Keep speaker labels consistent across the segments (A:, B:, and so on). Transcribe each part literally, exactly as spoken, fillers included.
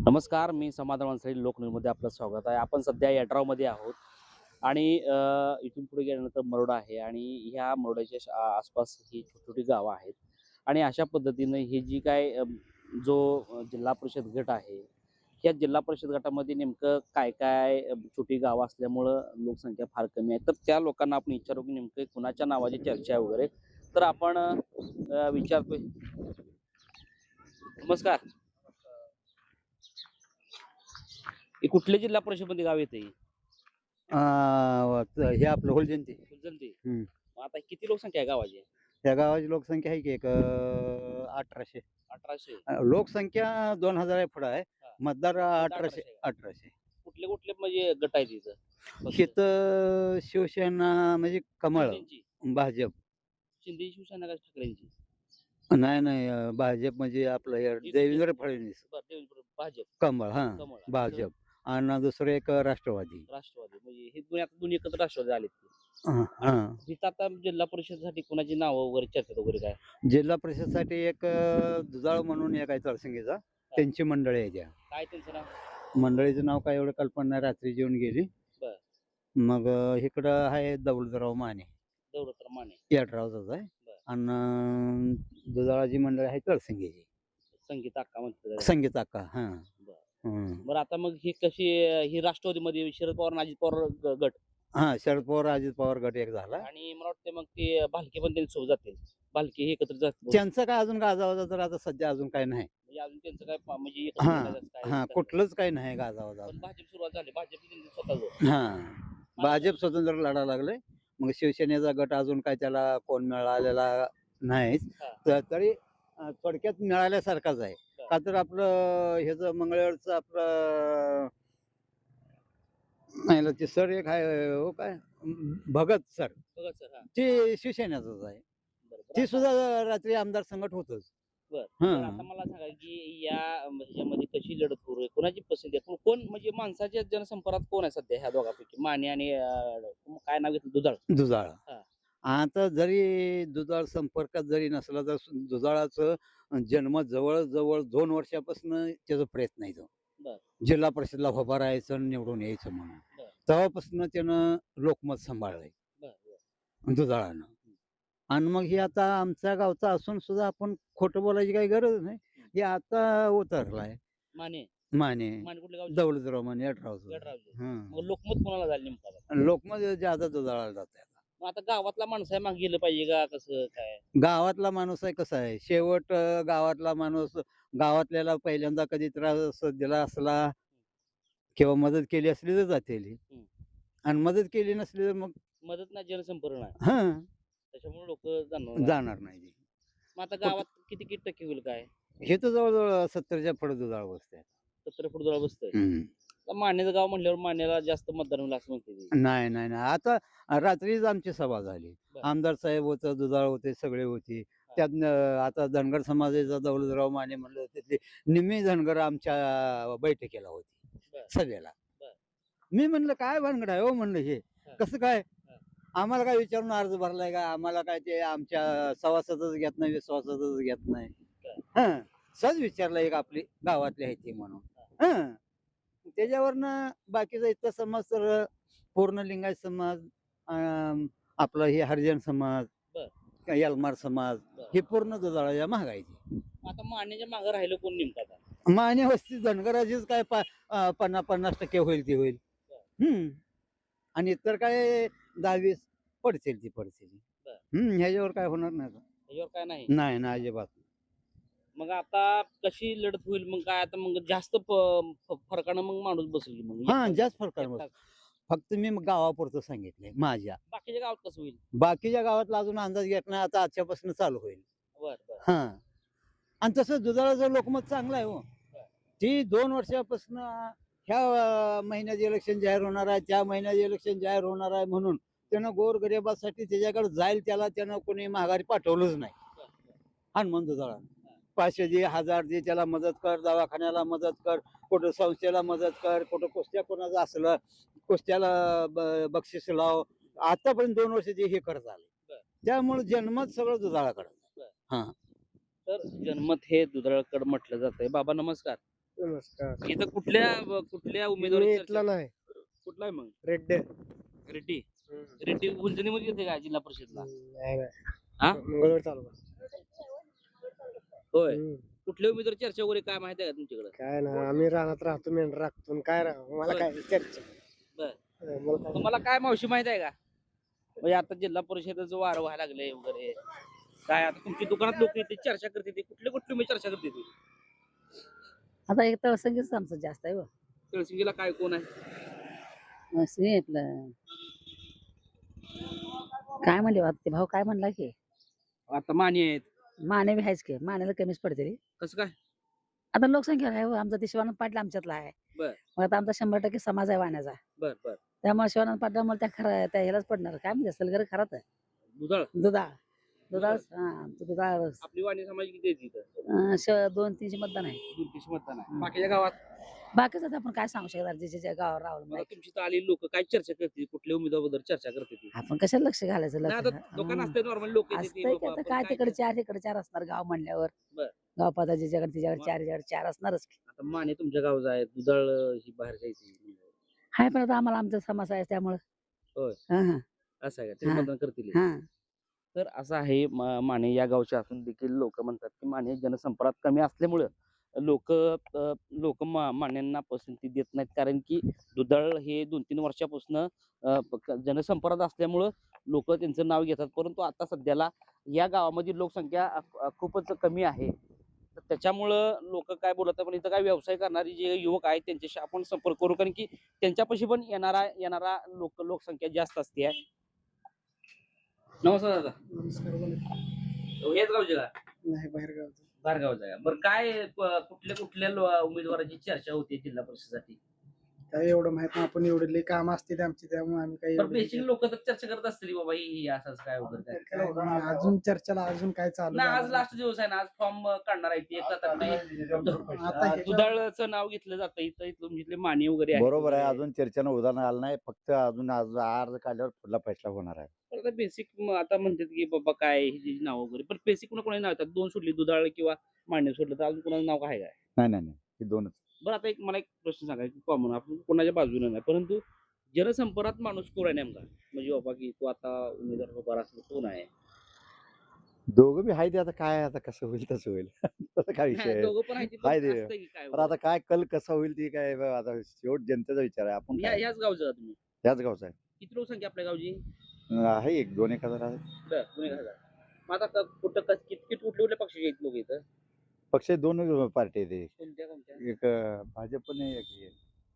A: नमस्कार, मी समाधान मानसरे लोकन्यूजमध्ये आपलं स्वागत आहे. आपण सध्या यड्रावमध्ये आहोत आणि अ, इथून पुढे गेल्यानंतर मरोडा आहे आणि ह्या मरोड्याच्या श- आ- आसपास ही छोटी गावं आहेत आणि अशा पद्धतीनं ही जी काय अ, जो अ, जिल्हा परिषद गट आहे, ह्या जिल्हा परिषद गटामध्ये नेमकं काय काय अ, छोटी गावं असल्यामुळं लोकसंख्या फार कमी आहे. तर त्या लोकांना आपण विचारू की नेमकं कुणाच्या नावाची चर्चा आहे वगैरे. तर आपण अ, विचारतोय. नमस्कार. हे कुठल्या जिल्हा परिषदमध्ये गाव येते?
B: अ, त हे आपलं होलजंती.
A: फुलजंती.
B: हं.
A: मग आता किती लोकसंख्या आहे गावाची?
B: त्या गावाची लोकसंख्या आहे की एक अ, अठराशे.
A: अठराशे.
B: अ, लोकसंख्या दोन हजार पुढे आहे.
A: हां.
B: मतदार
A: मतदार
B: अठराशे
A: अठराशे आहे.
B: अठराशे.
A: कुठले कुठले म्हणजे गट आहेत इथं? पक्ष?
B: इथं शिवसेना म्हणजे कमळ,
A: शिंदेची.
B: भाजप.
A: शिंदे शिवसेना का ठाकरेंची?
B: नाही, नाही अ, भाजप म्हणजे आपलं हे
A: जी दुसरी.
B: देवेंद्र फडणवीस.
A: बरं, देवेंद्र भाजप.
B: कमळ हां,
A: कमळ आणि दुसरं
B: भाजप आणि दुसरं एक राष्ट्रवादी.
A: राष्ट्रवादी. म्हणजे हे दोन्ही आता दोन्ही एकत्र राष्ट्रवादी आलेत ते.
B: हां,
A: आणि
B: हां.
A: इथं आता जिल्हा परिषदेसाठी कोणाची नावं वगैरे चर्चेत वगैरे काय?
B: जिल्हा परिषदसाठी एक अ, दुधाळ म्हणून एक आहे तळसिंगीचा.
A: हां.
B: त्यांची मंडळी आहे त्या.
A: काय त्यांचं नाव?
B: मंडळीचं नाव काय एवढं कल्पना नाही, रात्री जेवून गेली.
A: बरं.
B: मग अ, इकडं आहे दौलतराव माने,
A: दौलतराव माने.
B: येडरावचाच आहे.
A: बरं.
B: आणि दुधाळाची मंडळी आहे तळसिंगीची.
A: संगीता अक्का म्हणतात त्याला.
B: संगीत अक्का हां.
A: बरं.
B: हं.
A: बरं, आता मग ही कशी ही राष्ट्रवादीमध्ये शरद पवार आणि अजित पवार ग गट.
B: हां, शरद पवार, अजित पवार गट एक झाला.
A: आणि मला वाटतं मग ते भालके पण त्यांच्यासोबत जातील. भालके हे एकत्र जातील बहुतेक.
B: त्यांचं काय अजून गाजावाजा तर आता सध्या अजून काही नाही.
A: म्हणजे अजून त्यांचं काय पा- म्हणजे एकत्र
B: हां,
A: येण्याचं काय
B: हां.
A: चाललंय.
B: कुठलंच काही नाही गाजावाजा
A: पण
B: अजून.
A: भाजप सुरुवात झाली. भाजप त्यांनी स्वतःच.
B: हां. भाजप स्वतंत्र लढा लागले. मग शिवसेनेचा गट अजून काय त्याला कोण मिळालेला नाहीच.
A: हां.
B: तर तरी अ, थोडक्यात मिळाल्यासारखाच आहे.
A: बरं.
B: का तर आपलं ह्याचं मंगळवेढचं आपलं नाही ना, ते सर एक आहे हो काय अं, भगत सर.
A: बघा सर. हां.
B: ते शिवसेनेचंच आहे.
A: बरं, बरं.
B: ते
A: आता
B: सुद्धा रात्री आमदार संगत होतंच.
A: बरं.
B: हां.
A: तर आता मला सांगा, की या अं, ह्याच्यामध्ये कशी लढत सुरू आहे? कोणाची पसंती आहे? कोण कोण म्हणजे माणसाच्या जनसंपर्कात कोण आहे सध्या ह्या दोघांपैकी? माने आणि अं, काय नाव घेतलं? दुधाळ.
B: दुधाळा.
A: हां.
B: आता जरी दुधाळ संपर्कात जरी नसला तर सु- दुधाळाचं जन्म जवळ-जवळ दोन वर्षापासून त्याचा प्रयत्न आहे तो.
A: बरं.
B: जिल्हा परिषदला उभा राहायचं आणि निवडून यायचं म्हणून.
A: बरं.
B: तेव्हापासून त्यानं लोकमत सांभाळलंय
A: बरं. बरं.
B: दुधाळानं.
A: हं.
B: आणि मग हे आता आमच्या गावचा असून सुद्धा आपण खोटं बोलायची काही गरज नाही. हे आता उतरलाय.
A: माने.
B: माने,
A: माने कुठल्या गावचे?
B: दौलतराव माने अठरावचं.
A: गडरावचे.
B: हं.
A: मग लोकमत कोणाला झालं नेमकं आता?
B: लोकमत ज्यादा दुधाळाला जातंय आता.
A: मग आता गावातला माणूस आहे, मागे गेलं पाहिजे का कसं काय?
B: गावातला माणूस आहे कसा आहे, शेवट अ, गावातला माणूस गावातल्याला पहिल्यांदा कधी त्रास दिला असला किंवा मदत केली असली तर जातेल.
A: हं.
B: आणि मदत केली नसली तर मग
A: मदत नाही, जनसंपर्क नाही.
B: हां,
A: त्याच्यामुळे लोक जाणार नाही.
B: जाणार नाही ती.
A: मग आता
B: कुठ
A: गावात किती किती टक्के होईल काय?
B: हे तर जवळ-जवळ सत्तरच्या पुढे दुधाळ बसते.
A: सत्तर फूट जवळ बसतंय.
B: हं.
A: आता मानेचं गाव म्हणल्यावर मानेला जास्त मतदान होईल असं म्हणते ती.
B: नाही, नाही, नाही. आता रात्रीच आमची सभा झाली.
A: बरं.
B: आमदार साहेब होतं, दुधाळ होते, सगळे होते. त्यातनं आता धनगर समाजाचा दौलतराव माने म्हणलं तिथली निम्मी धनगर आमच्या बैठकीला होती,
A: बरं.
B: सभेला.
A: बरं.
B: मी म्हणलं, "काय भानगड आहे हो?" म्हणलं हे.
A: हां.
B: "कसं काय?
A: हां.
B: आम्हाला काय विचारून अर्ज भरलाय का? आम्हाला काय ते आमच्या सभासदच घेत नाही, विश्वासातच घेत नाही."
A: बरं.
B: हं. सहज विचारलं एक आपली गावातली आहे ती म्हणून. हं. त्याच्यावरनं बाकीचा इतर समाज तर पूर्ण लिंगायत समाज, अं, आपलं हे हरिजन समाज,
A: बरं.
B: का यलमार समाज
A: बरं.
B: हे पूर्ण दुधाळाच्या महागायचे.
A: आता मानेच्या मागे राहिलं कोण नेमकं आता?
B: माने वस्ती धनगराचीच काय पा अं, पन्नास पन्नास टक्के होईल ती होईल. हं. आणि इतर काय दहा वीस पडतील ती पडतील.
A: बरं.
B: हं. ह्याच्यावर काय होणार नाही आता.
A: त्याच्यावर काय नाही.
B: नाही, नाही अजिबात.
A: मग आता कशी लढत होईल? मग काय आता मग जास्त प- फ- फरकानं मग माणूस बसेल की मग
B: हां,
A: एकटा-
B: जास्त फरक आहे.
A: एकटा.
B: फक्त मी गावापुरतं सांगितलंय माझ्या.
A: बाकीच्या गावात कसं होईल?
B: बाकीच्या गावातला अजून अंदाज घेत नाही. आता आजच्यापासून चालू होईल.
A: बर बर.
B: हां. आणि तसं दुधाळाचं लोकमत चांगलं आहे हो.
A: बरं.
B: ती दोन वर्षापासून ह्या अ, महिन्यात इलेक्शन जाहीर होणार आहे, त्या महिन्यात इलेक्शन जाहीर होणार आहे म्हणून त्यानं गोरगरिबासाठी त्याच्याकडे जाईल त्याला त्यानं कोणी माघारी पाठवलंच नाही.
A: बर, बर.
B: हनुमान दुधाळा. पाचशे दे, हजार दे, त्याला मदत कर, दवाखान्याला मदत कर, कुठं संस्थेला मदत कर, कुठं कुस्त्या कोणाचं असलं, कुस्त्याला ब बक्षीस लाव. आतापर्यंत दोन वर्ष ते हे करत आले.
A: बरं.
B: त्यामुळे जन्मत सगळं दुधाळाकडं.
A: बरं.
B: हां.
A: तर जन्मत हे दुधाळकडे म्हटलं जातंय. बाबा नमस्कार.
C: नमस्कार.
A: इथं कुठल्या कुठल्या
C: मी
A: उमेदवारी
C: इथला नाही
A: कुठला आहे मग
C: रेड्डे.
A: रेड्डी
C: हम्म.
A: रेड्डी उलजणीमध्ये येते का जिल्हा परिषदला
C: नाही
A: हा?
C: नाही मंगळवार चालू
A: होय कुठल्या उमेदवार चर्चा वगैरे काय माहिती आहे का तुमच्याकडे
C: काय ना आम्ही रानात राहतो मेंढर राखतो आणि काय राह मला
A: बर.
C: काय चर्चा
A: बर.
C: हा, मला काय
A: तुम्हाला काय मावशी माहित आहे का म्हणजे आता जिल्हा परिषदेचं वारं व्हायला लागले वगैरे काय आता तुमची दुकानात लोक येते चर्चा करते ते कुठले कुठले मी चर्चा करते ती
D: आता एक तर संगीतच आमचं जास्त आहे
A: तळसिंगीला काय कोण आहे
D: बघ आपलं काय म्हणले बा ते भाऊ काय म्हणला की
A: आता माने आहेत
D: माने बी आहेच की मानेला कमीच पडते रे
A: कसं काय
D: आता लोकसंख्या आहे हो, आमचा ते शिवानंद पाटील आमच्यातला आहे
A: बर.
D: मग आता आमचा शंभर टक्के समाज आहे वाण्याचा
A: बर बर
D: त्यामुळे शिवानंद पाटील मला त्या खरं त्या ह्यालाच पडणार काय म्हणजे सलगर खराच आहे
A: दुधाळ
D: दुधाळ दुधाळ हा आमचं दुधाळ
A: आपली वाणी समाज किती आहे तिथं
D: अं, श- दोन तीनशे मतदान आहे
A: दोन तीनशे मतदान आहे बाकीच्या गावात
D: बाकीच आता आपण काय सांगू शकणार जे जे गावावर राहुल
A: मला तुमची तर आलेली लोक काय चर्चा करते कुठल्या उमेदवाराबद्दल चर्चा करते ती
D: आपण कशाला लक्ष घालायचं
A: नाही आता
D: लक्ष
A: दुकान
D: हा.
A: असते नॉर्मल लोक
D: असतंय की आता काय तिकडे चार इकडे चार असणार गाव म्हणल्यावर
A: बर.
D: गाव पाता ज्याच्याकडे तिच्याकडे
A: मग?
D: चार याच्याकडे चार असणारच की.
A: आता माने तुमच्या गावचा आहे दुधाळ ही बाहेर जायची
D: हाय पण आता आम्हाला आमचा समाज आहे त्यामुळं
A: होय.
D: हा हा
A: असं आहे का ते
D: हा.
A: मतदान करतील
D: हा
A: तर असं आहे म- माने या गावचे असून देखील लोक म्हणतात की माने जनसंपर्कात कमी असल्यामुळं लोक लोक मान्यांना पसंती देत नाहीत कारण की दुधाळ हे दोन तीन वर्षापासून जनसंपर्कात असल्यामुळं लोक त्यांचं नाव घेतात परंतु आता सध्याला या गावामध्ये लोकसंख्या अ- अ- खूपच कमी आहे तर त्याच्यामुळं लोक काय बोलत पण इथं काय व्यवसाय करणारे जे युवक आहेत त्यांच्याशी आपण संपर्क करू कारण की त्यांच्यापाशी पण येणारा येणारा लोक लोकसंख्या जास्त असते नमस्कार दादा
C: नमस्कार बोला.
A: हेच गावचे का
C: नाही बाहेर गावचं
A: बाहेर गावचा आहे बरं काय प- कुठल्या कुठल्या लो- उमेदवाराची चर्चा होती जिल्हा परिषदेसाठी
C: काय एवढं माहित नाही आपण एवढे लई काम असते आमची त्यामुळे आम्ही काही
A: तर
C: एवढं
A: बेसिक लोक तर चर्चा करत असतील बाबा ही ही असंच काय वगैरे काय
C: काय नाही, अजून चर्चेला अजून काय चालू
A: ना आज
C: झालं नाही.
A: लास्ट दिवस आहे ना आज फॉर्म काढणार आहे ते
C: आता ह्याच्यावर-
A: दुधाळचं नाव घेतलं जातं इथं इथलं इथले माने वगैरे आहेत
B: बरोबर आहे
A: वगैरे.
B: अजून चर्चेनं उदाहरण आलं नाही फक्त अजून आज अर्ज काढल्यावर पुढला फैसला होणार आहे
A: तर आता बेसिक आता म्हणतात की बाबा काय ही जी नाव वगैरे पण बेसिक कोणा कोणाची नाव येतात दोन सोडली दुधाळ किंवा माने सोडलं तर अजून कोणाचं नाव काय काय
B: नाही नाही नाही हे दोनच
A: बरं आता एक मला एक प्रश्न सांगा की कॉमन आपण कोणाच्या बाजूने नाही परंतु जनसंपर्कात माणूस कोण आहे नेमका म्हणजे बाबा की तो आता उमेदवार उभा असेल कोण आहे
B: दोघं बी आहे ते आता काय आता कसं होईल तसं होईल तसं काय विषय
A: नाही,
B: आहे
A: दोघं पण आहे ते, पण
B: आहे ते.
A: असतंय की काय
B: पण आता काय कल कसा होईल ती काय ब- आता शेवट जनतेचा विचार आहे आपण
A: या
B: काय
A: याच गावचं का तुम्ही
B: त्याच गावचा आहे
A: किती लोकसंख्या आपल्या गावची
B: अं, आहे एक दोन एक हजार आहे
A: बरं दोन एक हजार मग आता क- कुठं कस- कित किती कुठले कुठले पक्षाचे आहेत लोक इथं
B: पक्ष दोन पार्टी आहे ते
A: कोणत्या कोणत्या
B: एक अं, भाजप आणि एक हे,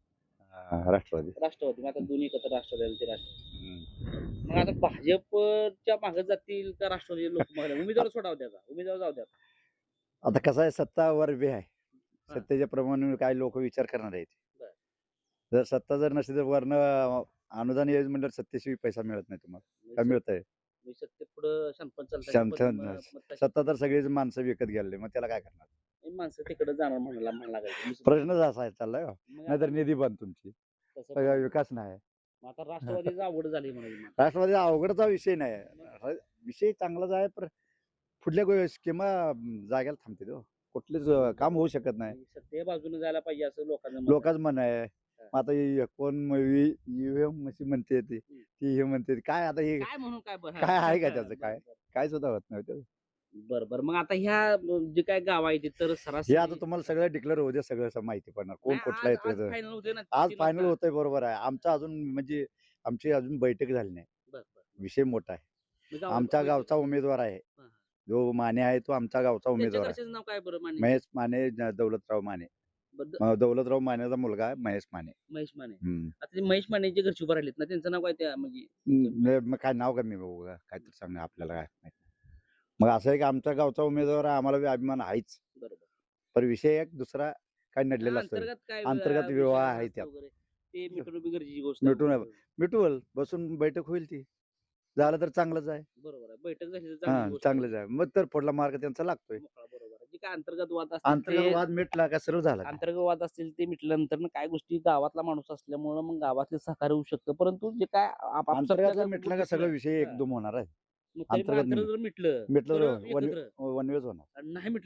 B: अं, राष्ट्रवादी
A: राष्ट्रवादी मग आता दोन्ही एकत्र राष्ट्रवादी आणि ते राष्ट्रवादी
B: हम्म.
A: मग आता भाजपच्या मागे जातील का राष्ट्रवादी लोक मागे उमेदवार सोडाव द्या का? उमेदवार जाऊ द्या
B: आता कसं आहे सत्ता वर बी आहे
A: हा.
B: सत्तेच्या प्रमाणे काय लोक विचार करणार आहेत
A: बरं.
B: जर सत्ता जर नसेल तर वरनं अनुदान योजना म्हणल्यावर सत्तेशिवाय पैसा मिळत नाही तुम्हाला काय मिळत आहे
A: सत्य पुढं शांतपण चालतं
B: शांत- सत्ता तर सगळीच माणसं विकत गेले मग त्याला काय करणार
A: माणसं तिकडे जाणार म्हणाला म्हणाला लागायचं.
B: प्रश्नच असा आहे चाललाय हो.
A: मग
B: नाहीतर
A: आता
B: निधी बंद तुमची
A: तसं
B: सगळा
A: पण-
B: विकास नाही
A: मग आता राष्ट्रवादीच आवड झाली म्हणाली मग.
B: राष्ट्रवादी अवघडचा विषय नाही विषय चांगलाच आहे पण पुढल्या स्कीमा जाग्याला थांबते तो कुठलेच अं, काम होऊ शकत नाही
A: सत्य बाजूने जायला पाहिजे असं लोकांना मत आहे.
B: लोकांच म्हण आहे मग आता हे कोण ईव्हीएम मशी म्हणते ती ती हे म्हणते ती. काय आता हे
A: काय म्हणून काय बरं
B: काय आहे का त्याचं काय? काय सुद्धा होत नाही त्याचं.
A: बर बर मग आता ह्या जे काय गाव आहे ते तर
B: हे
A: सरासरी
B: आता तुम्हाला सगळं डिक्लेअर होऊ दे सगळं असं माहिती पडणार कोण कुठला येतोय तर.
A: फायनल होते ना
B: आज
A: तीन
B: फायनल
A: वाजता.
B: होतंय बरोबर आहे आमचा अजून म्हणजे आमची अजून बैठक झाली नाही
A: बर, बर.
B: विषय मोठा आहे
A: मग गावात-
B: आमच्या गावचा उमेदवार आहे
A: हा, हा.
B: जो माने आहे तो आमचा गावचा
A: त्यांच्या
B: उमेदवार आहे
A: घरच्याचं नाव काय बरं माने
B: महेश माने ज- दौलतराव माने
A: बद्द-
B: म- दौलतराव मानेचा मुलगा आहे महेश माने
A: महेश माने
B: हम्म.
A: आता ते महेश माने जे घरची उभं राहिलेत ना त्यांचं नाव काय त्या म्हणजे
B: न- मग काय नाव कमी बघू का काय तर सांग आपल्याला काय माहित नाही. मग असं आहे की आमच्या गावचा उमेदवार आहे, आम्हाला बी अभिमान आहेच
A: बरोबर
B: पण विषय एक दुसरा काय नडलेला असतो
A: अंतर्गत काय
B: अंतर्गत
A: विषय
B: विवाह
A: असतात
B: आहे त्यात.
A: वगैरे, ते मिटवणं बी गरजेची गोष्ट
B: मिटवून
A: आहे.
B: आहे. मिटवल बसून बैठक होईल ती झालं तर चांगलंच आहे
A: बरोबर आहे बैठक झाली तर
B: हा
A: चांगली गोष्ट आहे.
B: चांगलंच आहे मग तर पुढला मार्ग त्यांचा लागतोय
A: मोकळा, बरोबर आहे. जे काय अंतर्गत वाद असतील
B: अंतर्गत
A: ते-
B: वाद मिटला का सरळ झाला
A: अंतर्गत वाद असतील ते मिटल्यानंतर ना काय गोष्टी गावातला माणूस असल्यामुळं मग गावातले सहकार्य होऊ शकतं परंतु जे काय आप- आप-
B: अंतर्गत
A: आपल्या
B: मिटला का
A: गोष्टी-
B: सगळं विषय
A: हा.
B: एकदम होणार आहे
A: मग तरी पण
B: अंतर्गत
A: अंतर्गत जर मिटलं
B: मिटलं
A: तर
B: तर वन
A: एकत्र.
B: वनवेज होणार
A: आणि नाही मिटलं तर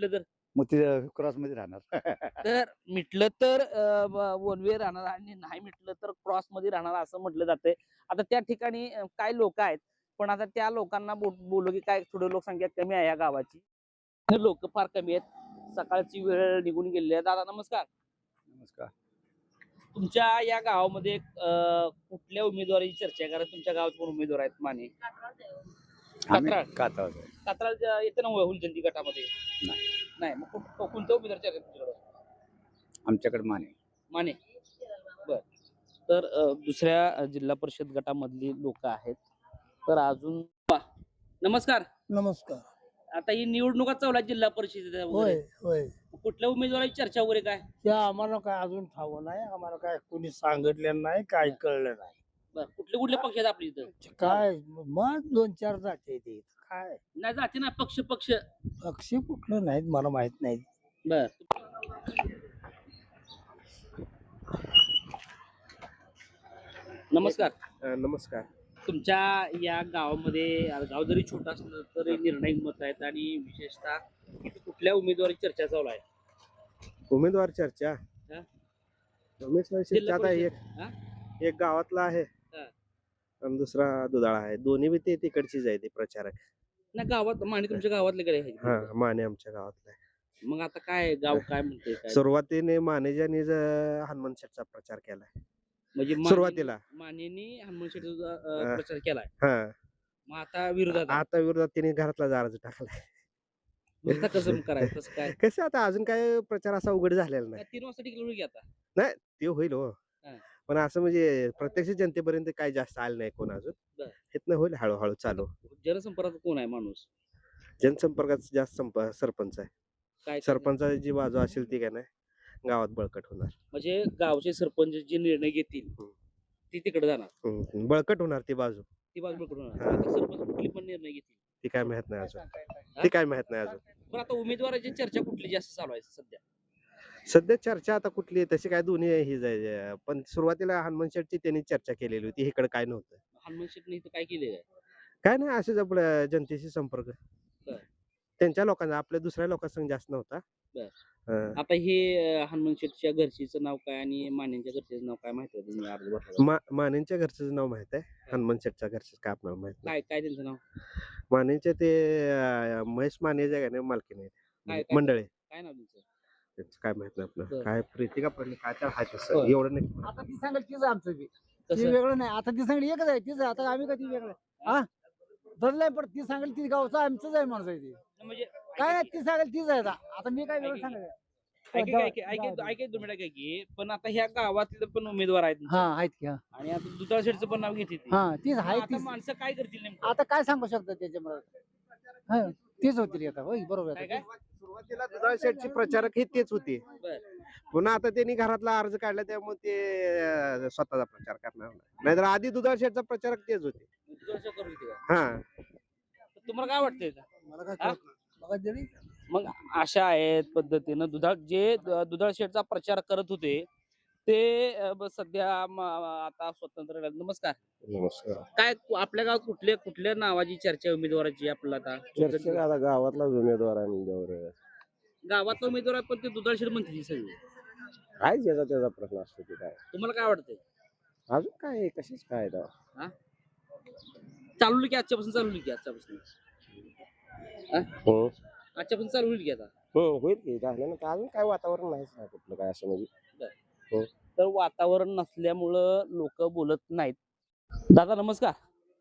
B: मग ते क्रॉस मध्ये राहणार.
A: तर मिटलं तर वन वे राहणार आणि नाही मिटलं तर क्रॉस मध्ये राहणार असं म्हटलं जातंय. आता त्या ठिकाणी अं, काय लोक आहेत, पण आता त्या लोकांना बो- बोलू की काय थोडी लोकसंख्या कमी आहे या गावाची, लोक फार कमी आहेत, सकाळची वेळ निघून गेलेली आहे. दादा नमस्कार.
B: नमस्कार.
A: तुमच्या या गावामध्ये अं, कुठल्या उमेदवाराची चर्चा आहे? कारण तुमच्या गावात पण उमेदवार आहेत माने.
B: आम्ही
A: कात्राळ.
B: कात्राळ.
A: कात्राळ येते ना हुलजंती गटामध्ये?
B: नाही.
A: नाही मग कुठ- कोणत्या उमेदवार चर्चा आहे तुमच्याकडे?
B: आमच्याकडे माने.
A: माने. बर. तर अ, दुसऱ्या अ, जिल्हा परिषद गटामधली लोक आहेत. तर अजून वा. नमस्कार.
C: नमस्कार.
A: आता ही निवडणुका चालू आहे जिल्हा परिषद
C: होय होय
A: कुठल्या उमेदवाराची चर्चा वगैरे काय?
C: त्या आम्हाला काय अजून ठाव नाही, आम्हाला काय कोणी सांगितलेलं नाही, काय कळलं नाही.
A: बर कुठले कुठले पक्ष आहेत आपल्या इथं?
C: काय मग दोन चार जाते ते काय
A: नाही जाते ना पक्ष पक्ष.
C: पक्षी कुठलं नाहीत मला माहित नाही.
A: बर. नमस्कार.
E: नमस्कार.
A: तुमच्या या गावामध्ये आता गाव जरी छोटा असलं तरी निर्णायक मत आहेत आणि विशेषतः इथं कुठल्या उमेदवाराची चर्चा चालू आहे?
E: उमेदवार चर्चा
A: हा?
E: उमेदवार
A: जिल्हा
E: चर्चा आता एक
A: परिषद. हा?
E: एक गावातला आहे
A: हा.
E: आणि दुसरा दुधाळा आहे. दोन्ही बी ते तिकडचीच आहे ते प्रचारक.
A: नाही गावात माने तुमच्या गावातले कडे आहे.
E: हा माने आमच्या गावातला आहे.
A: मग आता काय गाव काय म्हणते काय?
E: सुरुवातीने मानेजाने ज- हनुमान शेठचा प्रचार केलाय
A: म्हणजे माने-
E: सुरुवातीला.
A: मानेनी हनुमान शेठचा अ,
E: हा.
A: प्रचार केलाय.
E: हा
A: मग आता विरोधात आहे.
E: आता विरोधात तिने घरातला अर्ज टाकलाय.
A: मग आता कसं करायचं कसं काय?
E: कसं आता अजून काय प्रचार असा उघड झालेला नाही.
A: काय तीन वाजता टिकलं की आता?
E: ते होईल हो.
A: हा.
E: पण असं म्हणजे प्रत्यक्ष जनतेपर्यंत काय जास्त आलं नाही कोण अजून.
A: बरं.
E: इथनं होईल हळूहळू चालू.
A: जनसंपर्कात कोण आहे माणूस?
E: जनसंपर्कात जास्त संप सरपंच आहे.
A: काय
E: सरपंचाची जी बाजू असेल ती काय नाही गावात बळकट होणार.
A: म्हणजे गावचे सरपंच जे निर्णय घेतील
E: हम्म.
A: ती तिकडे जाणार.
E: हम्म, बळकट होणार ती बाजू.
A: ती बाजू करून
E: हा.
A: आता सरपंच कुठली पण निर्णय घेतील.
E: ती काय माहित नाही अजून. ती काय माहित नाही अजून.
A: पण आता उमेदवाराची चर्चा कुठली जास्त चालू आहे सध्या?
E: सध्या चर्चा आता कुठली आहे तशी काय दोन्ही ही जाय पण सुरुवातीला हनुमान शेठची त्यांनी चर्चा केलेली होती. इकडे काय नव्हतं.
A: हनुमान शेटने इथं काय केलेलं आहे?
E: काय नाही असेच आपल्या जनतेशी संपर्क.
A: बरं.
E: त्यांच्या लोकांचा आपल्या दुसऱ्या लोकांसंग जास्त नव्हता.
A: बरं.
E: हा.
A: आता हे अं, हनुमान शेटच्या घरचीचं नाव काय आणि मान्यांच्या घरचीचं नाव काय माहिती आहे तुम्ही अर्ज भरला?
E: मा मानेंच्या घरचं नाव माहित आहे. हनुमान शेठच्या घरचं काय आपल्याला माहित नाही.
A: काय काय त्यांचं नाव?
E: मानेंचे ते अं, महेश माने जे आहे ना मालकीन
A: काय
E: आहेत
A: काय
E: मंडळे.
A: काय नाव त्यांचं?
E: त्यांचं काय माहित नाही आपलं.
A: बरं.
E: काय प्रीतिका पडली काय तर आहे तसं
A: होय.
E: एवढं नाही.
C: आता ती सांगेल तीच आमचं बी ती
A: कसं?
C: वेगळं नाही. आता ती सांगेल एकच आहे तीच. आता आम्ही कधी वेगळं हा धरलंय पण ती सांगेल ती गावचं आमचंच आहे माणसं आहे ती.
A: म्हणजे
C: काय नाही ती सांगेल तीच आहे. आता आता मी काय वेगळं
A: ऐक-
C: सांगायचं.
A: ऐक- ऐक- ऐक- ऐक- ऐक- दोन मिनिटं ऐक की पण आता ह्या गावातले पण उमेदवार आहेत
C: हा आहेत की हा
A: आणि आता दुधाळ शेठचं पण नाव घेते ती.
C: हा तीच
A: मग
C: आहे
A: आता
C: तीच.
A: माणसं काय करतील नेमकं?
C: आता काय सांगू शकतो त्याच्यामुळे हा तीच होती रे आता. होय बरोबर
A: काय
C: आहे.
A: काय?
E: सुरुवातीला दुधाळ शेठचे प्रचारक हे तेच होते.
A: बरं.
E: पुन्हा आता त्यांनी घरातला अर्ज काढला त्यामुळे ते अं, स्वतःचा प्रचार करणार नाही. नाहीतर आधी दुधाळ शेठचा प्रचारक तेच होते.
A: दुधाळ शेठ करू देते का?
E: हा
A: तर तुम्हाला काय वाटतंय का?
C: मला काय
A: हा?
C: कळत नाही. मला जरी
A: मग अशा आहेत पद्धतीनं दुधाळ जे द- दुधाळ शेठचा प्रचार करत होते ते अं, ब- सध्या म- आता स्वतंत्र राहिले. नमस्कार.
E: नमस्कार.
A: काय कु- आपल्या गावात कुठल्या कुठल्या नावाची चर्चा आहे उमेदवाराची आपल्याला आता?
E: आता गावातला उमेदवार आहे म्हणजे
A: गावातला उमेदवार आहे पण ते दुधाळ शेठ म्हणते ती सगळी.
E: काय ज्याचा त्याचा प्रश्न असतो ते काय
A: तुम्हाला काय वाटतंय?
E: अजून काय कशीच काय
A: चालू की आजच्यापासून चालू की आजच्यापासून
E: हो
A: आजच्यापासून चालू होईल की आता?
E: हो होईल की झाल्यानंतर अजून काय वातावरण नाहीच ना कुठलं काय असं म्हणजे.
A: तर वातावरण नसल्यामुळं लोक बोलत नाहीत. दादा नमस्कार.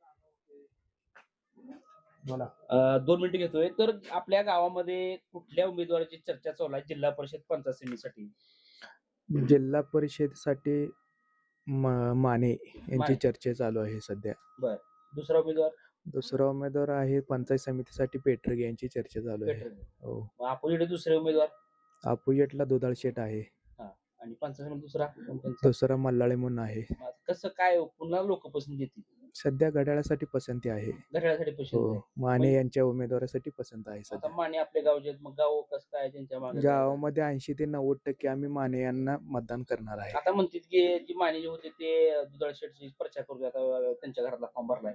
C: बोला.
A: अं, दोन मिनिटं घेतोय. तर आपल्या गावामध्ये कुठल्या उमेदवाराची चर्चा चालू आहे जिल्हा परिषद पंचायत समितीसाठी?
F: जिल्हा परिषदेसाठी म- माने यांची
A: माने.
F: चर्चा चालू आहे सध्या.
A: दुसरा उमेदवार
F: दुसरा उमेदवार आहे पंचायत समितीसाठी पेटरगे यांची चर्चा चालू आहे.
A: पेटरे.
F: हो.
A: मग अपोजिट दुसरे उमेदवार
F: अपोजिटला दुधाळ शेठ आहे.
A: आणि पंचायत समिती दुसरा कोण त्यांचा?
F: दुसरा मल्लाळे म्हणून आहे.
A: मग कसं काय पुन्हा लोक पसंत देतील?
F: सध्या घड्याळासाठी पसंती आहे.
A: घड्याळासाठी पसंत
F: हो.
A: आहे.
F: माने
A: म्हणजे-
F: यांच्या उमेदवारासाठी पसंत आहे
A: आता
F: सध्या.
A: माने आपल्या गावचे आहेत, मग गाव कसं काय त्यांच्या मागे?
F: गावामध्ये ऐंशी ते नव्वद टक्के आम्ही माने यांना मतदान करणार आहे.
A: आता म्हणतात की जी माने जे होते ते दुधाळ शेठची प्रचार करू आता त्यांच्या घरातला फॉर्म भरलाय.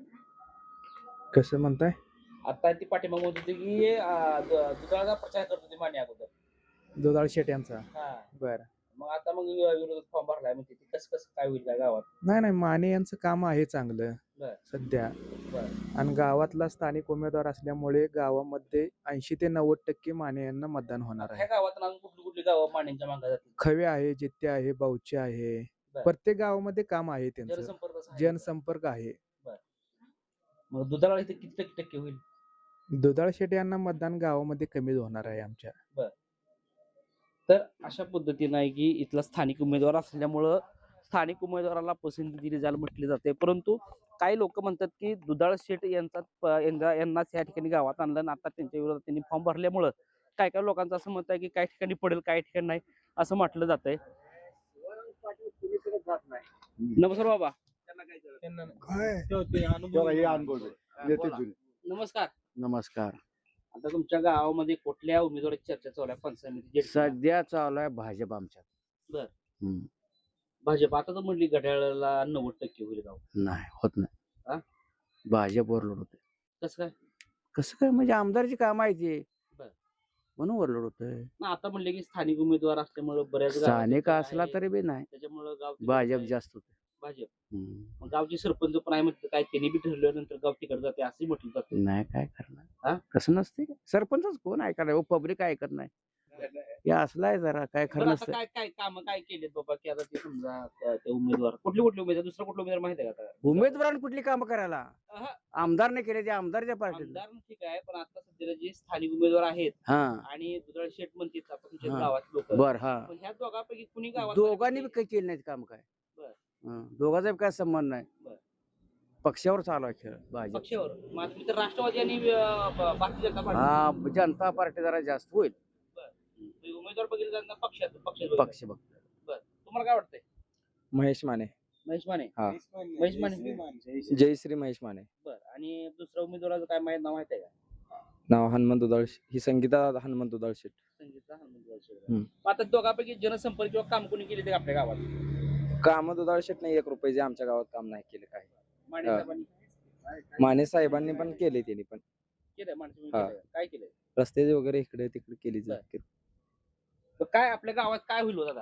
F: कसं म्हणताय?
A: आता ती पाठीमाग म्हणत होती की अं, दु- दुधाळाचा प्रचार करत होती माने अगोदर.
F: दुधाळ शेट यांचा
A: हा
F: बर
A: मग आता मग विरोधात फॉर्म भरलाय म्हणजे ते कसं कसं काय होईल काय गावात?
F: नाही नाही माने यांचं काम आहे चांगलं
A: बर.
F: सध्या
A: बर.
F: आणि गावातला स्थानिक उमेदवार असल्यामुळे गावामध्ये ऐंशी ते नव्वद टक्के माने यांना मतदान होणार
A: ह्या
F: आहे.
A: गावात अजून कुठली कुठली गावं मान्यांच्या मागे जातील?
F: खवे आहे, जित्ते आहे, बावचे आहे,
A: बर.
F: प्रत्येक गावामध्ये काम आहे त्यांचं.
A: जनसंपर्क कसं आहे?
F: जनसंपर्क आहे.
A: मग दुधाळा इथे किती टक्के टक्के होईल?
F: दुधाळ शेट यांना मतदान गावामध्ये कमी होणार आहे आमच्या.
A: तर अशा पद्धतीनं आहे की इथला स्थानिक उमेदवार असल्यामुळं स्थानिक उमेदवाराला पसंती दिली जायला म्हटली जाते, परंतु काही लोक म्हणतात की दुधाळ शेट यांचा प- यांना यांनाच या ठिकाणी गावात आणलं आणि आता त्यांच्या विरोधात त्यांनी फॉर्म भरल्यामुळं काय काय लोकांचं असं मत आहे की काही ठिकाणी पडेल काही ठिकाणी नाही असं म्हटलं जातंय. नमस्कार बाबा. नमस्कार.
G: नमस्कार.
A: आता तुमच्या गावामध्ये कुठल्या उमेदवाराची चर्चा चालू आहे पंचायत समिती?
G: सध्या चालू आहे भाजप आमच्यात.
A: बर.
G: हम्म.
A: भाजप आता तर म्हणली घड्याळाला नव्वद टक्के होईल गाव.
G: नाही होत
A: हा?
G: नाही. भाजप ओव्हरलोड होते.
A: कसं काय?
G: कसं काय म्हणजे आमदारची काम आहे ती
A: बर.
G: म्हणून ओव्हरलोड होतंय.
A: ना आता म्हणले की स्थानिक उमेदवार असल्यामुळे बऱ्याच गावात
G: स्थानिक
A: आहे,
G: असला तरी बी नाही
A: त्याच्यामुळे गाव तिकडे
G: भाजप
A: आहे.
G: जास्त होते.
A: भाजप.
G: हम्म.
A: मग गावचे सरपंच पण आहे म्हटलं काय त्यांनी बी ठरल्यानंतर गाव तिकडे जाते असंही म्हटलं जातं.
G: नाही काय
A: हा?
G: करणार कसं नसते सरपंचच कोण ऐकणार पब्लिक ऐकत नाही हे असलं आहे जरा काय
A: बरं,
G: खरं
A: आता
G: नसतं.
A: काय काय काम काय केलेत बाबा की आता ते समजा त्या- ते उमेदवार कुठले कुठले उमेदवार दुसरा कुठला उमेदवार माहिती आहे का आता?
G: उमेदवारांनी कुठली कामं करायला
A: अहं.
G: आमदारने केले ते आमदारच्या पार्टीत.
A: आमदार ठीक आहे पण आता सध्याला जे स्थानिक उमेदवार आहेत
G: हा
A: आणि दुधाळ शेठ म्हणतात आता तुमच्या
G: हा.
A: गावात लोक
G: बर हा
A: ह्या दोघांपैकी कुणी गावात
G: दोघांनी बी काही केलं नाही काम काय.
A: बर.
G: हं, दोघांचा बी काय संबंध नाही.
A: बर.
G: पक्षावर चालू आहे खेळ भाजप.
A: पक्षावर मग आता तुम्ही तर राष्ट्रवादी आणि अं, ब- भारतीय जनता पार्टी
G: हा जनता पार्टी जरा जास्त होईल.
A: तुम्ही उमेदवार बघितले जाणार पक्षात पक्ष
G: पक्ष बघ
A: तुम्हाला काय वाटतंय?
F: महेश माने.
A: महेश माने.
F: हा.
A: महेश माने.
F: जयश्री महेश माने.
A: बर. आणि दुसऱ्या उमेदवाराचं काय माहित नाव माहित आहे का?
F: नाव हनुमंत दुधाळ ही संगीता हनुमंत दुधाळ शेट.
A: संगीता हनुमंत शेठ.
F: हम्म.
A: मग आता दोघांपैकी जनसंपर्क किंवा काम कोणी केले ते आपल्या गावात?
F: काम दुधाळ शेट नाही एक रुपये आमच्या गावात काम नाही केले काय.
A: माने
F: हा.
A: साहेबांनी
F: माने साहेबांनी पण केले त्यांनी पण
A: केलंय माणसं
F: हा.
A: केलंय. काय केलंय?
F: रस्ते वगैरे इकडे तिकडे केली
A: बर. तर काय आपल्या गावात काय होईल हो दादा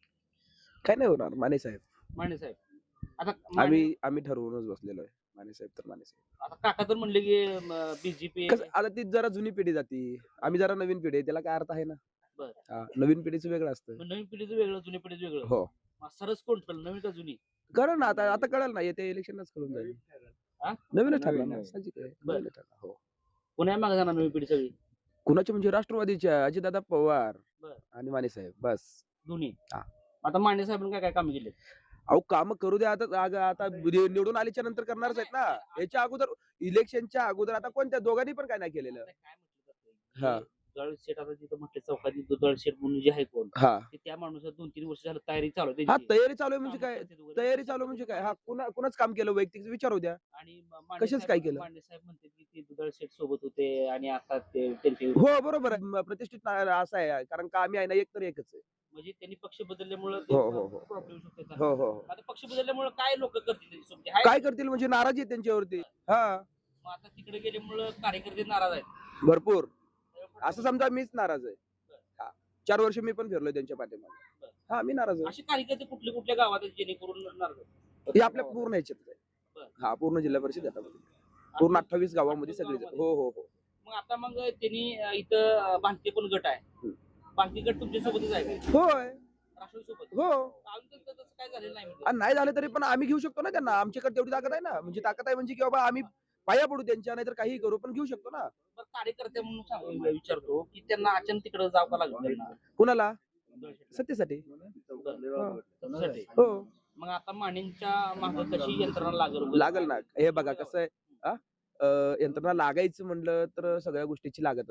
H: काय नाही होणार माने साहेब.
A: माने साहेब? आता माने-
H: आम्ही आम्ही ठरवूनच बसलेलो आहे माने साहेब तर माने साहेब.
A: आता काका तर म्हणले की बीजेपी
H: कसं आता ती जरा जुनी पिढी जाती आम्ही जरा नवीन पिढी आहे, त्याला काय अर्थ आहे ना.
A: बर.
H: हा, नवीन पिढीचं वेगळं असतं.
A: नवीन पिढीचं वेगळं जुन्या पिढीचं वेगळं.
H: हो
A: मग सरस कोण ठरलं नवीन का जुनी?
H: कळलं ना आता आता कळलं ना येते इलेक्शनच कळून जाईल.
A: हा?
H: नवीनच ठरलं
F: नवीन,
H: ना
F: नवीन.
H: साहजिक आहे.
A: बर.
H: नवीनच ठरलं. हो
A: कोण्या मागे जाणार नवीन पिढी सगळी?
H: कुणाचे म्हणजे राष्ट्रवादीच्या अजितदादा पवार
A: बर.
H: आणि माने साहेब बस.
A: दोन्ही.
H: हा.
A: आता माने साहेबांनी काय काय काम केले?
H: अहो काम करू द्या आता आग- आता नि- निवडून आल्याच्या नंतर करणारच आहेत ना. याच्या अगोदर इलेक्शनच्या अगोदर आता कोणत्या दोघांनी पण काय नाही केलेलं.
A: काय म्हटलं
H: हा.
A: जातं दुधाळ शेठ आता तिथं म्हटलं चौकात दुधाळ शेठ म्हणून जे आहे कोण
H: हा
A: ते त्या माणूसात दोन तीन वर्ष झालं तयारी चालू आहे
H: हा
A: त्यांची.
H: तयारी चालू आहे म्हणजे
A: कामं
H: काय
A: करतात वगैरे.
H: तयारी चालू आहे म्हणजे काय हा कुणा कुणाच काम केलं वैयक्तिक विचारू द्या.
A: आणि म- मांडे
H: कशाच
A: साहेब-
H: काय केलं?
A: मांडे साहेब म्हणतात की ते दुधाळ शेठ सोबत होते आणि आता ते त्यांचे
H: हो बरोबर आहे म- प्रतिष्ठित ना- असं आहे कारण का आम्ही आहे ना एक तर एकच आहे.
A: म्हणजे त्यांनी पक्ष बदलल्यामुळे
H: हो, हो, हो.
A: प्रॉब्लेम होतो त्यांचा.
H: हो हो हो.
A: आता पक्ष बदलल्यामुळे काय लोक करतील त्यांच्यासोबत? आहे
H: काय
A: का?
H: करतील म्हणजे नाराजी आहे त्यांच्यावरती. हा
A: मग आता तिकडे गेल्यामुळे कार्यकर्ते नाराज आहेत.
H: भरपूर असं समजा मीच नाराज आहे. हा चार वर्ष मी पण फिरलोय त्यांच्या पाठीमागे. हा मी नाराज आहे.
A: असे कार्यकर्ते कुठल्या कुठल्या गावात आहेत जेणेकरून नाराज आहेत?
H: हे आपल्या पूर्ण ह्याच्यात आहे.
A: बरं.
H: हा पूर्ण जिल्हा परिषद गटामध्ये पूर्ण अठ्ठावीस गावामध्ये
A: अठ्ठावीस
H: सगळी
A: गावामध्ये.
H: हो हो हो
A: मग आता मग त्यांनी अं, इथं अं, भांगते पण गट आहे.
H: हम्म.
A: भांगते गट तुमच्या सोबतच आहे का?
H: होय
A: राष्ट्रवादी सोबत?
H: हो
A: अजून तर तसं काय झालेलं नाही म्हणजे.
H: आणि नाही झालं तरी पण आम्ही घेऊ शकतो ना त्यांना. आमच्याकडे तेवढी ताकद आहे ना. म्हणजे ताकद आहे म्हणजे की बाबा आम्ही पाया पडू त्यांच्या नाहीतर काही करू पण घेऊ शकतो ना.
A: बरं, कार्यकर्ते म्हणून सांग- विचारतो की त्यांना अचानक तिकडे जावं का लागलं त्यांना?
H: कुणाला सत्तेसाठी.
A: बरं. त्याच्यासाठी.
H: हो
A: मग आता मानेंच्या मागे कशी यंत्रणा लागल
H: लागल ना. हे बघा कसं आहे हा? अं, यंत्रणा लागायचं म्हणलं तर सगळ्या गोष्टीची लागत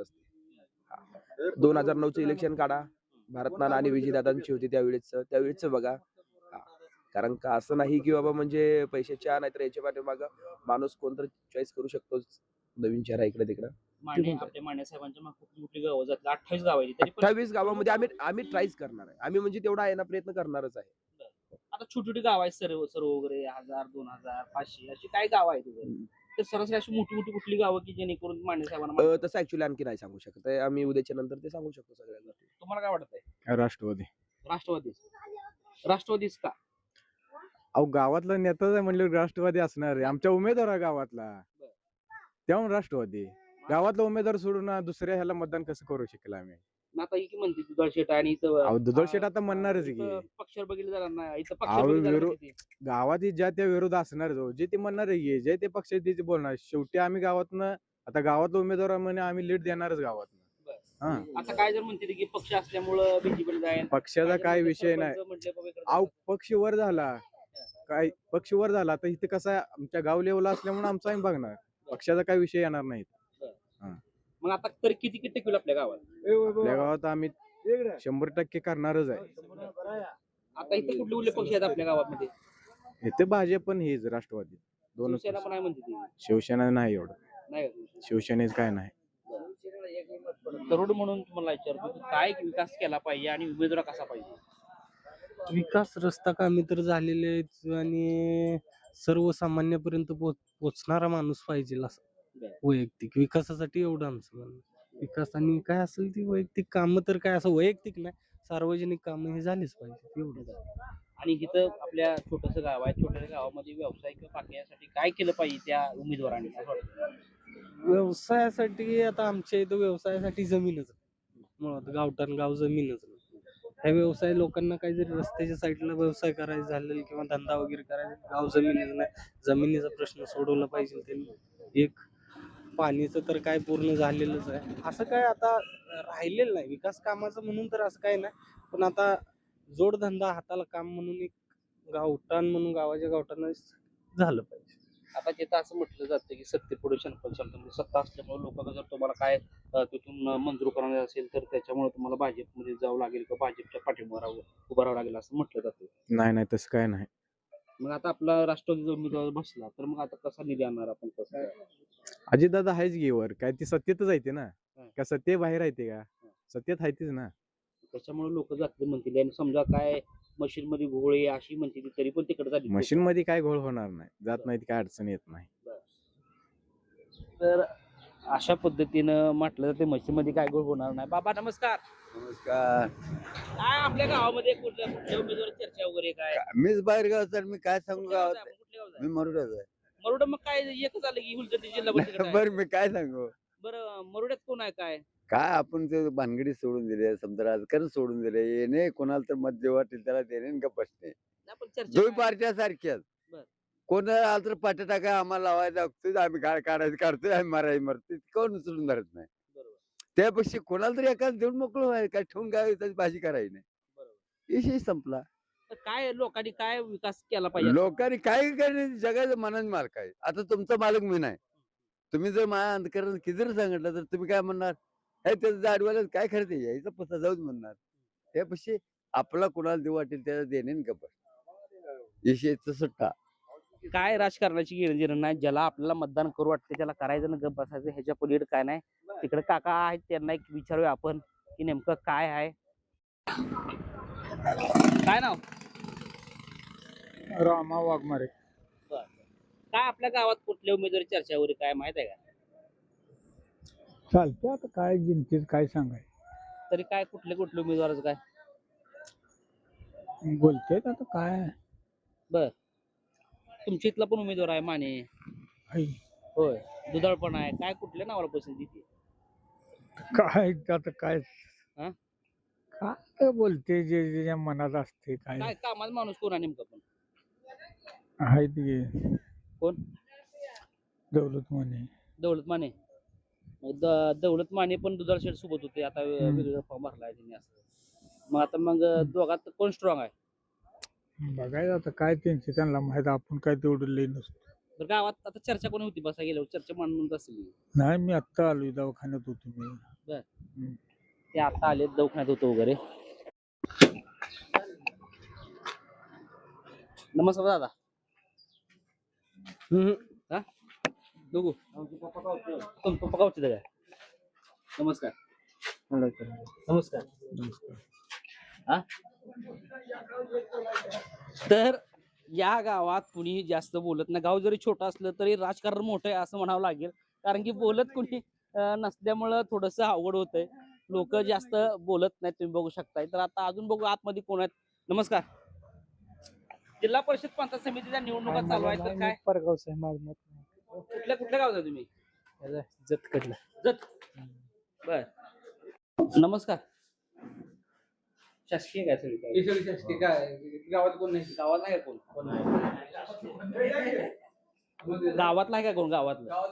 H: असते. दोन हजार नऊचं इलेक्शन काढा. भारतनाना आणि विजयदादांची होती त्यावेळेच त्यावेळेच बघा. हा. कारण का असं नाही की बाबा म्हणजे पैशाच्या नाहीतर याच्या पाठीमागं माणूस कोणतरी चॉईस करू शकतो. नवीन चेहरा इकडे तिकडे.
A: माने आपल्या माने साहेबांच्या मागे खूप मोठी गावं जातात अठ्ठावीस गाव आहे तरी पण
H: अठ्ठावीस गावामध्ये आम्ही आम्ही ट्राईच करणार आहे. आम्ही म्हणजे तेवढा आहे ना प्रयत्न करणारच आहे.
A: आता छोटी छोटी गाव आहेत सर्व सर्व वगैरे हजार दोन हजार पाचशे अशी काय गाव आहेत वगैरे? तर सरासरी अशी मोठी मोठी कुठली गावं की जेणेकरून माने साहेबांना
H: अ, तसं ऍक्च्युली आणखी नाही सांगू शकत आहे. आम्ही उद्याच्या नंतर ते सांगू शकतो सगळ्यांना.
A: तुम्हाला काय वाटतंय?
I: राष्ट्रवादी.
A: राष्ट्रवादीच राष्ट्रवादीच का?
I: अहो गावातला नेताच आहे म्हणलं राष्ट्रवादी असणार आहे. आमच्या उमेदवार आहे गावातला, त्याहून राष्ट्रवादी. गावातला उमेदवार सोडून अं, दुसऱ्या ह्याला मतदान कसं करू शकेल आम्ही?
A: मग आता ही की म्हणते दुधाळ शेट आणि इथं
I: अहो दुधाळ
A: अं,
I: शेट आता म्हणणारच की
A: इथं पक्षावर बघितलं जाणार नाही इथं
I: अहो,
A: पक्षावर बघितलं
I: विरो-
A: जाणार नाही ते.
I: गावात ही ज्या त्या विरोध असणार जो जे ते म्हणणार आहे की, जे ते पक्ष ते बोलणार. शेवटी आम्ही गावातनं आता गावातला उमेदवार म्हणे आम्ही लीड देणारच गावातनं. हा
A: आता काय जर म्हणते की पक्ष असल्यामुळं बीजेपीला जाईल
I: पक्षाचा काय विषय नाही.
A: म्हटले बाबा इकडं
I: अहो पक्ष वर झाला काय पक्ष वर झाला तर इथे कसं आहे, आमच्या गाव लेवलला असल्यामुळे आमचं आम्ही बघणार. पक्षाचा काय विषय येणार नाही.
A: मग आता तरी किती किती टक्के होईल आपल्या गावात?
I: आपल्या गावात आम्ही शंभर टक्के करणारच आहे.
A: आता इथे कुठले कुठले पक्ष आहेत आपल्या गावामध्ये?
I: इथे भाजप पण हेच राष्ट्रवादी दोन
A: शिवसेना पण आहे म्हणते ती.
I: शिवसेना नाही एवढं.
A: नाही का?
I: शिवसेनेच काय नाही.
A: तरुण म्हणून तुम्हाला विचारतो की काय विकास केला पाहिजे आणि उमेदवार कसा पाहिजे?
J: विकास रस्ता कामे तर झालेले आहेत आणि सर्वसामान्यपर्यंत पोच पोचणारा माणूस पाहिजे असं
A: बरं.
J: वैयक्तिक विकासासाठी एवढं आमचं म्हणणं. विकास आणि काय असेल ती वैयक्तिक कामं तर काय असं वैयक्तिक नाही सार्वजनिक कामं हे झालीच पाहिजे एवढं.
A: आणि इथं आपल्या छोटस गाव आहे छोट्या गावामध्ये व्यवसाय किंवा बाकी यासाठी काय केलं पाहिजे त्या उमेदवारांनी असं वाटतं?
J: व्यवसायासाठी आता आमच्या इथं व्यवसायासाठी जमीनच आहे. मुळात गावठाण गाव जमीनच नाही. ह्या व्यवसाय लोकांना काही जरी रस्त्याच्या साईडला व्यवसाय करायचा झालेला किंवा धंदा वगैरे करायचा गाव जमीनच नाही. जमिनीचा प्रश्न सोडवला पाहिजे त्यांनी. एक पाणीचं तर काय पूर्ण झालेलंच आहे. असं काय आता राहिलेलं नाही विकास कामाचं म्हणून तर असं काय नाही. पण आता जोडधंदा हाताला काम म्हणून एक गावठाण म्हणून गावाच्या गावठाण झालं पाहिजे.
A: आता तिथं असं म्हटलं जातं की सत्तेपुढे शंकर चालतं म्हणजे सत्ता असल्यामुळे लोक जर तुम्हाला काय अं, तिथून मंजूर करणार असेल तर त्याच्यामुळे तुम्हाला भाजपमध्ये जावं लागेल किंवा भाजपच्या पाठीमागे राहावं उभं राहावं लागेल असं म्हटलं जातं.
I: नाही नाही तसं काय नाही.
A: मग आता आपला राष्ट्रवादीचा उमेदवार बसला तर मग आता कसा निधी आणणार आपण कसं काय?
I: अजितदादा आहेच घेवर काय ती सत्तेतच आहे ते ना.
A: हं.
I: का सत्ते बाहेर आहे ते का सत्तेत आहे तीच ना.
A: त्याच्यामुळे लोक जातील म्हणतील आणि समजा काय मशीन मध्ये घोळे अशी म्हणते ती तरी पण तिकडे झाली
I: मशीन मध्ये काय घोळ होणार नाही. जात नाही ती काय अडचण येत नाही.
A: तर अशा पद्धतीनं म्हटलं तर ते मशीन मध्ये काय घोळ होणार नाही. बाबा नमस्कार.
B: नमस्कार.
A: काय आपल्या गावामध्ये कुठल्या कुठल्या उमेदवार चर्चा वगैरे काय?
B: मीच बाहेर गाव तर मी काय सांगू
A: कुठल्या
B: गावात
A: गावचा आहे? कुठल्या गावचा
B: मी
A: आहे?
B: मरुडाच आहे.
A: मरुड मग काय एकच आलं की हुलदर्डी जिल्हा परिषद आहे.
B: बरं मी काय सांगू
A: बरं मरुड्यात कोण आहे काय?
B: काय आपण ते भानगडी सोडून दिले समजा राजकारण सोडून दिले येणे कोणाला तर मत जे वाटेल त्याला देणे आणि गप्प बसणे.
A: नाही, पण चर्चा
B: दोन
A: काय?
B: पार्ट्या सारख्याच
A: बरं.
B: कोणाला आलं तर पाट्या टाकाय आम्हाला लावायला लागतोय आम्ही काय काढायचं काढतोय आम्ही मारायला मारतोय कोण उचलून धरत नाही.
A: बरोबर.
B: त्यापेक्षा कोणाला तरी एखादं देऊन मोकळं व्हायचं काय ठेवून काय त्याची भाजी करायची नाही.
A: बरोबर.
B: विषय संपला.
A: तर काय लोकांनी काय विकास केला पाहिजे?
B: लोकांनी काय करणे जगाचं मनाने मालक आहे. आता तुमचा मालक मी नाही. तुम्ही जर माझ्या अंधकरण किती जरी सांगितलं तर तुम्ही काय म्हणणार हे त्याचं जाडवायला काय खरं ते यायचं पसा जाऊच म्हणणार. त्यापेक्षा आपला कुणाला देऊ वाटेल त्याला देणे आणि गप्प विषयच सुट्टा.
A: काय राजकारणाची घेणं नाही ज्याला आपल्याला मतदान करू वाटते त्याला करायचं ना गप्प बसायचं ह्याच्या पलीकडे काय नाही. तिकडे काका आहेत त्यांना एक विचारूया आपण की नेमकं काय आहे. काय नाव?
C: रामा वाघमारे.
A: काय आपल्या गावात कुठल्या उमेदवारी चर्चा वगैरे काय माहित आहे का?
C: चालते आता काय जिंकतील काय सांगाय
A: तरी काय कुठले कुठले उमेदवाराचं काय?
C: बोलते आता काय
A: बर तुमच्या इथला पण उमेदवार आहे माने.
C: आई.
A: होय दुधाळ पण आहे. काय कुठल्या नावाला पसंती ती?
C: काय आता काय
A: हा?
C: काय बोलते जे जे मनात असते काय
A: काय कामाचा माणूस कोण आहे नेमका पण?
C: आहे ते
A: कोण?
C: दौलत म्हणे
A: दौलत माने. मग द- दौलत माने पण दुधाळ शेठ सोबत होते आता वे-
C: हम्म.
A: वेगळा फॉर्म भरलाय त्यांनी असं. मग आता मग दोघात कोण स्ट्रॉंग आहे?
C: बघायचं आता काय त्यांचे त्यांना माहित आपण काय तेवढं लई नसतो.
A: तर गावात आता चर्चा कोणी होती बसा गेल्यावर चर्चा मांडून असेल.
C: नाही मी आत्ता आलोय दवाखान्यात होतो मी.
A: ते आता आले दवाखान्यात होतो वगैरे. नमस्कार दादा. हा बघू तुम पप्पा गावचे काय? नमस्कार. नमस्कार. हा तर या गावात कुणी जास्त बोलत नाही. गाव जरी छोटं असलं तरी राजकारण मोठं आहे असं म्हणावं लागेल. कारण की बोलत कुणी अं, नसल्यामुळं थोडंसं अवघड होतंय. लोक जास्त बोलत नाहीत, तुम्ही बघू शकताय. तर आता अजून बघू आतमध्ये कोण आहेत. नमस्कार. जिल्हा परिषद पंचायत समितीच्या निवडणुका चालू आहेत तर काय
J: परगावचं आहे माझं मत नाही.
A: कुठल्या कुठल्या गावचा तुम्ही?
J: याला जतकडलं.
A: जत. बर. नमस्कार. शासकीय काय सगळी
G: गावात कोण नाही.
A: गावात नाही का कोण? गावातला आहे का कोण? गावातलं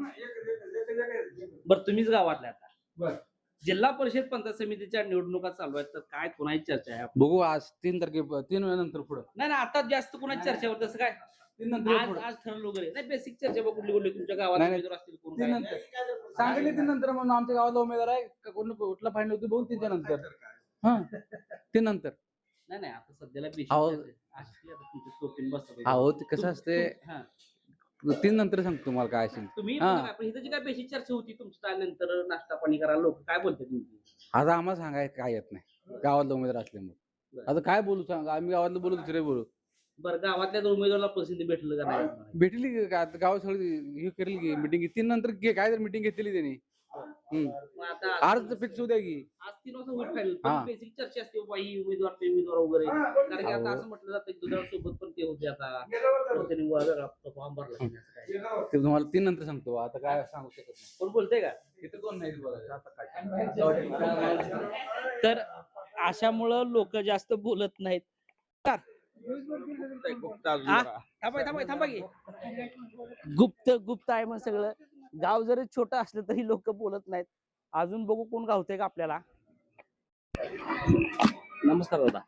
A: बरं, तुम्हीच गावातला आता. जिल्हा परिषद पंचायत समितीच्या निवडणुका चालू आहेत तर काय कोणाची चर्चा आहे?
G: बघू आज तीन तारखे तीन वेळानंतर पुढं
A: नाही नाही, आता जास्त कोणाची चर्चा होत तसं काय?
G: तीन नंतर
A: आज आज ठरवलं वगैरे नाही, बेसिक चर्चा बघ कुठली कुठली तुमच्या गावात
G: नाही, नाही.
A: उमेदवार असतील कोण
G: तीन
A: काय?
G: नंतर सांगितले तीन नंतर म्हणून आमच्या गावाला उमेदवार आहे का कोण कुठला फायनल होती बघून तीनच्या नंतर. हा तीन नंतर.
A: नाही नाही, आता सध्याला
G: अहो.
A: बेसिक असली आता तुमच्या टोपीन बसतात.
G: अहो ते कसं असते
A: हा.
G: तीन नंतर सांगतो तुम्हाला काय असेल.
A: तुम्ही
G: हा.
A: पण इथं जी काय बेसिक चर्चा होती तुमच्या नंतर नाश्ता पाणी करायला लोक काय बोलते तुमची?
G: आता आम्हाला सांगायचं काय येत नाही गावातला उमेदवार असल्यामुळे. आता काय बोलू सांगा, आम्ही गावातलं बोलू दुसरे बोलू.
A: बरं, गावातल्या दोन उमेदवाराला पसंती भेटलं का नाही?
G: भेटली की का- आता गावात सगळी हे करेल की मिटिंग तीन नंतर घे- काय तर मिटिंग घेतली त्यांनी. हम्म.
A: मग आता
G: अर्ज फिक्स होऊ द्या की.
A: आज तीन वाजता होईल फायनल.
G: हा.
A: बेसिक चर्चा असते बाबा ही उमेदवार ते उमेदवार वगैरे. कारण की आता असं म्हटलं जातं की दुधाळ सोबत पण ते होते आता तो त्यांनी वेगळा फॉर्म भरला नाही असं काय.
G: ते तुम्हाला तीन नंतर सांगतो. आता काय सांगू शकत नाही.
A: कोण बोलतंय का?
G: इथं कोण नाही बोलायचं. आता काय
A: तर अशामुळं लोक जास्त बोलत नाहीत. हा? थांबा थांबा थांबा की. गुप्त गुप्त आहे मग सगळं. गाव जरी छोटं असलं तरी लोक बोलत नाहीत. अजून बघू कोण गावतंय का आपल्याला. नमस्कार दादा.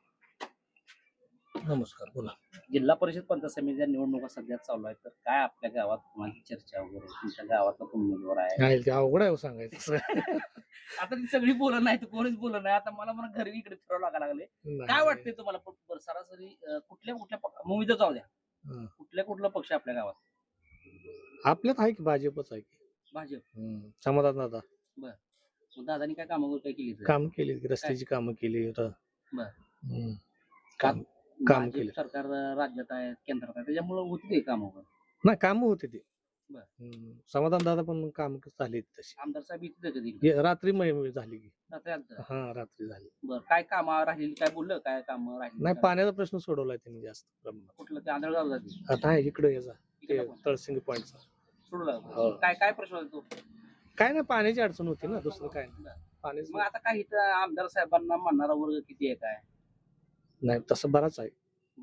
J: नमस्कार, बोला.
A: जिल्हा परिषद पंचायत समितीच्या निवडणुका सध्या चालू आहेत तर काय आपल्या गावात कोणाची चर्चा वगैरे, तुमच्या गावातला कोण उमेदवार आहे?
J: नाही ते अवघड आहे हो सांगायचं.
A: आता ती सगळी बोलत नाही, कोणीच बोलत नाही. आता मला म्हणा घरी इकडे फिरावं लागायला लागले. काय वाटतंय तुम्हाला प- प- सरासरी अं, कुठल्या कुठल्या पक्ष मुंबईत जाऊ द्या,
J: हं.
A: कुठल्या कुठला पक्ष आपल्या गावात?
J: आपल्यात आहे की भाजपच आहे की.
A: भाजप.
J: समाधान दादा
A: मग दादानी काय कामं काय केली इथं?
J: काम केली, रस्त्याची कामं केली.
A: बर.
J: हम्म. काम काम
A: भाजप
J: केलं.
A: सरकार राज्यात आहे, केंद्रात आहे, त्याच्यामुळे होती ते काम वगैरे.
J: नाही काम होते ते.
A: बर.
J: हम्म. समाधान दादा पण काम झाली तशी.
A: आमदार साहेब इथे कधी
J: ये- रात्री महिम झाली की.
A: बरं,
J: हा रात्री झाली.
A: काय काम राहिली काय बोललं, काय काम राहिली?
J: नाही पाण्याचा प्रश्न सोडवलाय त्यांनी जास्त प्रमाणात.
A: कुठलं ते आंधळगाव जाते
J: आता आहे इकडे याचा
A: इकडे
J: ते
A: पण?
J: तळसिंग पॉईंटचा.
A: सोडलं
J: हो.
A: काय काय प्रश्न होता तो?
J: काय नाही पाण्याची अडचण होती ना, दुसरं काय नाही.
A: बरं.
J: पाणीच
A: मग आता काय इथं आमदार साहेबांना म्हणणारा वर्ग किती आहे काय?
J: नाही तसं बराच आहे.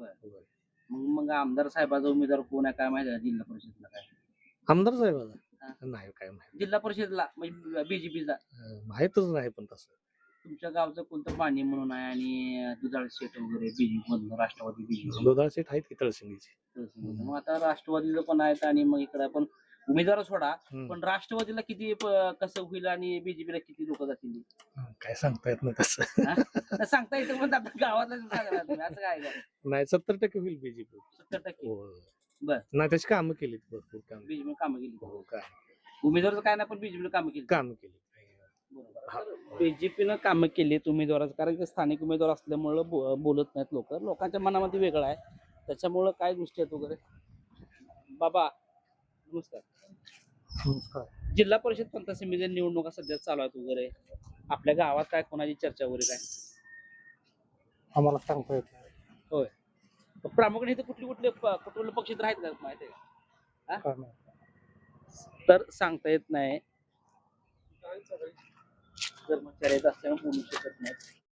A: मग मग आमदार साहेबाचा उमेदवार कोण आहे काय माहिती आहे का जिल्हा परिषदला? काय
J: आमदार
A: हा.
J: साहेबाचा नाही काय माहिती.
A: जिल्हा परिषदला म्हणजे बीजेपीचा
J: अं, माहीतच नाही पण तसं.
A: तुमच्या गावचं कोणतं पाणी म्हणून आहे आणि दुधाळ शेट वगैरे बीजेपी मधलं राष्ट्रवादी बीजेपी.
J: लोधाळ सेठ आहेत की तळसिंगीचे.
A: मग आता राष्ट्रवादीचं पण आहेत आणि मग इकडे पण उमेदवार सोडा,
J: हम्म.
A: पण राष्ट्रवादीला किती प- कसं होईल आणि बीजेपीला किती लोक जातील?
J: हं, काय सांगता येत नाही तसं.
A: हा? तर सांगता येतं पण आता गावातलं सांगा तुम्ही, असं काय काय
J: नाही सत्तर टक्के होईल बीजेपी.
A: सत्तर टक्के
J: बर. नाही त्याची कामं केलीत भरपूर काम.
A: बीजेपी कामं केली.
J: हो काय
A: उमेदवाराचं काय नाही पण बीजेपीला कामं केली.
J: कामं केली.
A: बीजेपीनं कामं केलीत उमेदवाराचं, कारण की स्थानिक उमेदवार असल्यामुळं बो- बोलत नाहीत लोक. लोकांच्या मनामध्ये वेगळं आहे, त्याच्यामुळं काय गोष्टी आहेत वगैरे. बाबा नमस्कार.
J: नमस्कार.
A: जिल्हा परिषद पंचायत समितीच्या निवडणुका सध्या चालू आहेत वगैरे. आपल्या गावात काय कोणाची चर्चा वगैरे काय?
J: आम्हाला सांगता येत नाही.
A: होय. पण प्रामुख्याने इथं कुठले कुठले प- कुठले पक्ष इथं आहेत का माहिती आहे का? हा?
J: काय नाही.
A: तर सांगता येत नाही. कर्मचारी आहेत असल्यामुळे बोलू शकत नाही.